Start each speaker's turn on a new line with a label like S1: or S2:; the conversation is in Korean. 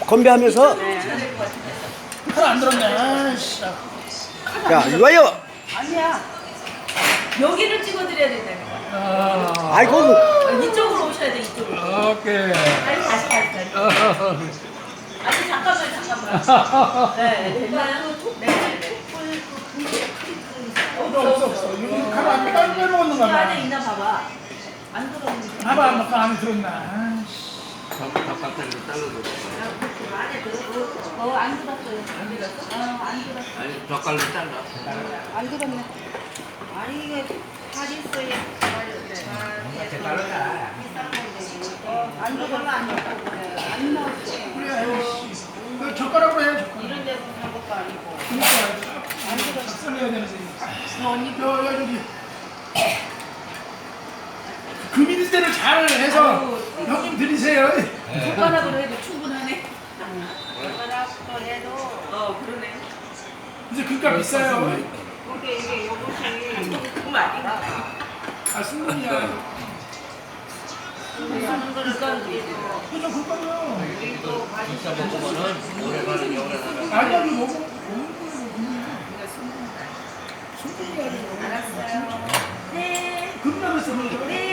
S1: 건배하면서.
S2: 칼안 들었네. 아이씨.
S1: 야, 이리 와요.
S3: 아니야. 여기를 찍어드려야 된다니까.
S1: 아이고.
S3: 이쪽으로 오셔야 돼, 이쪽으로.
S2: 오케이.
S3: 아니, 다시. 아니, 잠깐만. 네, 됐나요? 네.
S2: 없어. 여기 칼안 빼먹었는가
S3: 이
S2: 봐.
S3: 안에 있나 봐봐. 안 들어오는 거.
S2: 봐봐, 뭐 안에 들었나. 아이씨.
S4: 바깥으로 잘라도
S3: 안에 들어. 안 들었어요. 안 들었어? 안 들었어.
S4: 아니 젓갈로 잘라.
S3: 안 들었네. 아니, 이게 잘 있어요. 안 들었어. 안 넣었어.
S2: 그래, 아이씨. 그 젓가락으로 해, 젓가락.
S3: 이런 데서 산 것도 아니고.
S2: 안 들었어. 썰려야 되는데. 언니, 여기. 금인 때를 잘 해서 형님 드리세요.
S3: 손가락으로 해도 충분하네.
S5: 손가락도 해도
S3: 그러네.
S2: 이제 그니까 비싸요.
S5: 이게 요것이
S3: 조금 아닌가?
S2: 아, 순금이야.
S5: 하는 거를 가지고
S2: 그죠, 그거요.
S5: 우리도
S4: 진짜 먹으면은 오래 가는 게 오래 가는.
S2: 아니야, 이거 먹는 거예요. 순금이 아니고.
S3: 알았어요. 네.
S2: 금나무 쓰는 거.
S3: 네.